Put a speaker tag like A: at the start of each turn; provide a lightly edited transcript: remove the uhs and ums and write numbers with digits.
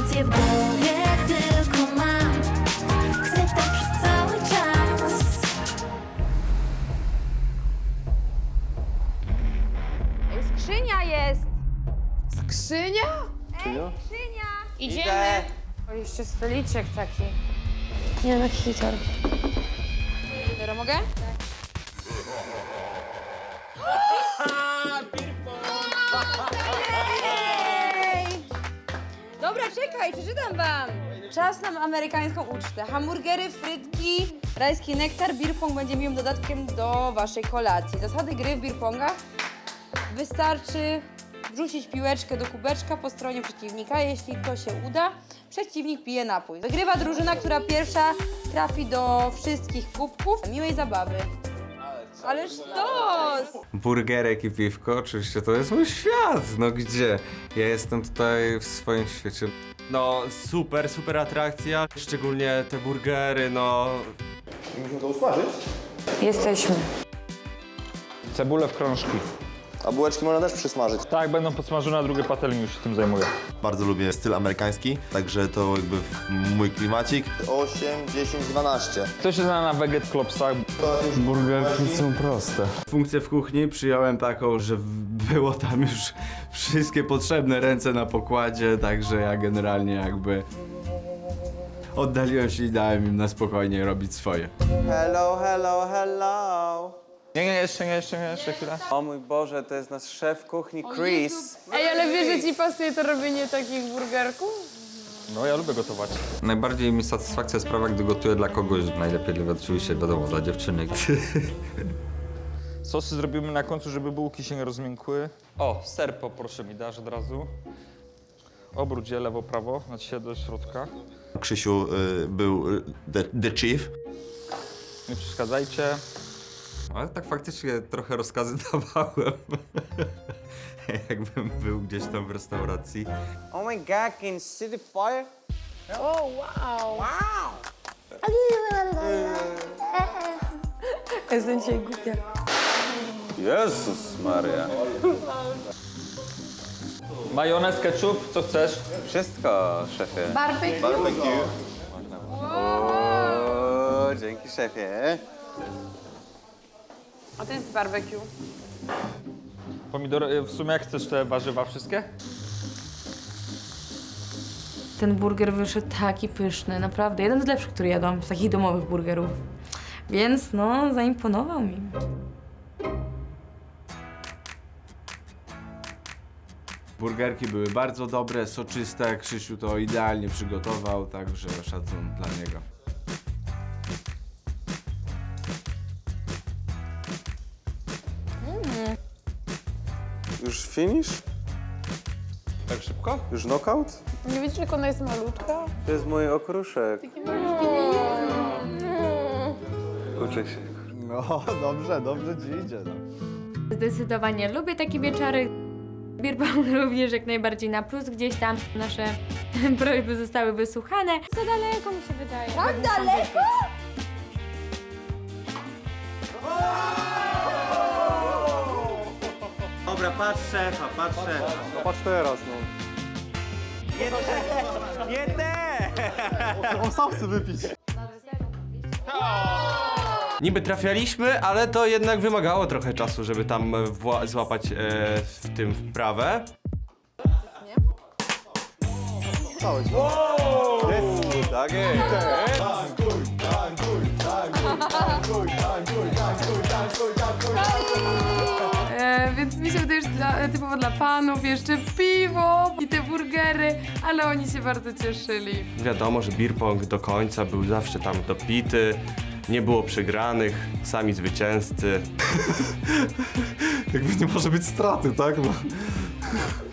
A: Informacje w głowie tylko mam. Chcę tak przez cały czas.
B: Skrzynia jest!
C: Skrzynia?
B: Skrzynia!
C: Idziemy. O, jeszcze stoliczek taki.
B: Nie no, hitor. Dobra, mogę? Dobra, czekaj, przeczytam wam. Czas na amerykańską ucztę. Hamburgery, frytki, rajski nektar, beer pong będzie miłym dodatkiem do waszej kolacji. Zasady gry w beer pongach. Wystarczy wrzucić piłeczkę do kubeczka po stronie przeciwnika. Jeśli to się uda, przeciwnik pije napój. Wygrywa drużyna, która pierwsza trafi do wszystkich kubków. Miłej zabawy. Ależ sztos!
D: Burgerek i piwko, oczywiście to jest mój świat, no gdzie? Ja jestem tutaj w swoim świecie.
E: No super, super atrakcja, szczególnie te burgery, no.
F: Musimy to usmażyć?
C: Jesteśmy.
G: Cebulę w krążki.
F: A bułeczki można też przysmażyć.
G: Tak, będą podsmażone, a drugie patelnie już się tym zajmuje.
F: Bardzo lubię styl amerykański, także to jakby mój klimacik. 8, 10, 12.
G: Kto się zna na Veget Klopsach?
D: Burgerki są proste. Funkcję w kuchni przyjąłem taką, że było tam już wszystkie potrzebne ręce na pokładzie, także ja generalnie jakby oddaliłem się i dałem im na spokojnie robić swoje.
H: Hello, hello, hello.
G: Nie, jeszcze chwilę.
H: O mój Boże, to jest nasz szef kuchni Chris.
C: Ej, ale wiesz, że ci pasuje to robienie takich burgerków?
G: No, ja lubię gotować.
D: Najbardziej mi satysfakcja sprawia, gdy gotuję dla kogoś, najlepiej oczywiście wiadomo, dla dziewczyny.
G: Sosy zrobimy na końcu, żeby bułki się nie rozmiękły. O, ser poproszę mi dasz od razu. Obróć je lewo, prawo, znaczy się do środka.
F: Krzysiu był the chief.
G: Nie przeszkadzajcie.
D: Ale tak faktycznie trochę rozkazy dawałem. Jakbym był gdzieś tam w restauracji.
H: Oh my God, can you see the fire?
C: O, wow. Jestem dzisiaj głupia.
H: Jezus Maria.
G: Majonez, ketchup, co chcesz?
H: Wszystko, szefie.
C: Barbecue.
F: Barbecue.
H: O, dzięki szefie.
C: A to jest barbecue.
G: Pomidory, w sumie jak chcesz te warzywa wszystkie?
B: Ten burger wyszedł taki pyszny, naprawdę. Jeden z lepszych, który jadłam, z takich domowych burgerów. Więc no, zaimponował mi.
D: Burgerki były bardzo dobre, soczyste. Krzysiu to idealnie przygotował, także szacun dla niego.
H: Już finish?
G: Tak szybko?
H: Już knockout?
C: Nie widzisz, jak ona jest malutka?
H: To jest mój okruszek. Uczę się.
F: No, dobrze ci idzie. No.
B: Zdecydowanie lubię takie wieczory. Beer pong również jak najbardziej na plus. Gdzieś tam nasze prośby zostały wysłuchane. Za daleko mi się wydaje. Tak daleko?
H: Dobra, patrz szefa, patrz szefa.
F: No patrz teraz, no.
H: Nie te!
F: On sam chce wypić.
E: Niby trafialiśmy, ale to jednak wymagało trochę czasu, żeby tam złapać w tym wprawę.
F: Całe ci.
H: Jest, tak jest.
C: Więc mi się wydaje, że typowo dla panów jeszcze piwo i te burgery, ale oni się bardzo cieszyli.
E: Wiadomo, że beer pong do końca był zawsze tam dopity, nie było przegranych, sami zwycięzcy.
D: Jakby nie może być straty, tak? No.